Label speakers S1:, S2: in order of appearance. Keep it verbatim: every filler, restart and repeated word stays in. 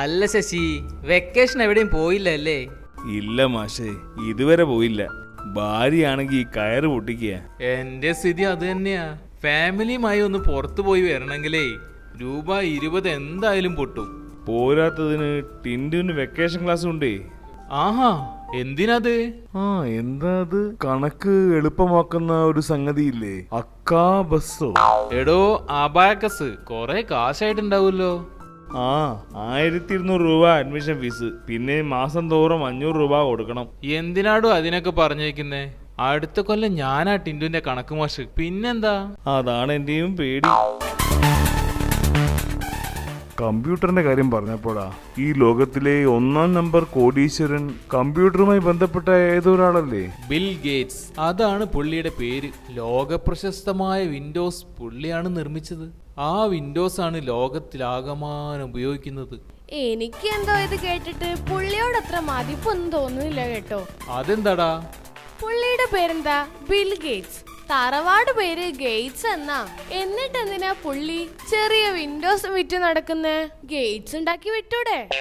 S1: അല്ല ശശി, വെക്കേഷൻ എവിടെയും പോയില്ലല്ലേ?
S2: ഇല്ല മാഷേ, ഇതുവരെ പോയില്ല. ഭാര്യയാണെങ്കിൽ കയറ് പൊട്ടിക്കുക.
S1: എന്റെ സ്ഥിതി അത് തന്നെയാ. ഫാമിലിയുമായി ഒന്ന് പുറത്തു പോയി വരണമെങ്കിലേ രൂപ ഇരുപത് എന്തായാലും പൊട്ടും.
S2: പോരാത്തതിന് ടിൻഡുവിന് വെക്കേഷൻ ക്ലാസ് ഉണ്ടേ.
S1: ആഹാ, എന്തിനത്?
S2: ആ എന്താ അത്? കണക്ക് എളുപ്പമാക്കുന്ന ഒരു സംഗതിയില്ലേ, അക്കാ ബസ്സോ?
S1: എടോ അബാക്കസ്, കൊറേ കാശായിട്ടുണ്ടാവുമല്ലോ.
S2: ആ ആയിരത്തി ഇരുന്നൂറ് രൂപ അഡ്മിഷൻ ഫീസ്, പിന്നെ മാസം തോറും അഞ്ഞൂറ് രൂപ കൊടുക്കണം.
S1: എന്തിനാടോ അതിനൊക്കെ പറഞ്ഞേക്കുന്നേ? അടുത്ത കൊല്ലം ഞാനാ ടിൻഡുവിന്റെ കണക്ക് മാഷ്. പിന്നെന്താ?
S2: അതാണ് എന്റെയും പേടി. കമ്പ്യൂട്ടറിന്റെ കാര്യം പറഞ്ഞപ്പോഴാ, ഈ ലോകത്തിലെ ഒന്നാം നമ്പർ കോടീശ്വരൻ കമ്പ്യൂട്ടറുമായി ബന്ധപ്പെട്ട ഏതൊരാളല്ലേ?
S1: Bill Gates. അതാണ് പുള്ളിയുടെ പേര്. ലോക പ്രശസ്തമായ വിൻഡോസ് പുള്ളിയാണ് നിർമ്മിച്ചത്. ആ വിൻഡോസ് ആണ് ലോകത്തിലാകമാനം ഉപയോഗിക്കുന്നത്.
S3: എനിക്ക് എന്തോ ഇത് കേട്ടിട്ട് പുള്ളിയോട് അത്ര മതിപ്പൊന്നും തോന്നുന്നില്ല കേട്ടോ.
S1: അതെന്താടാ?
S3: പുള്ളിയുടെ പേരെന്താ? Bill Gates. തറവാട് പേര് ഗേറ്റ്സ് എന്നാ. എന്നിട്ട് എന്തിനാ പുള്ളി ചെറിയ വിൻഡോസ് വിറ്റ് നടക്കുന്നേ? ഗേറ്റ്സ് ഉണ്ടാക്കി വിട്ടൂടെ?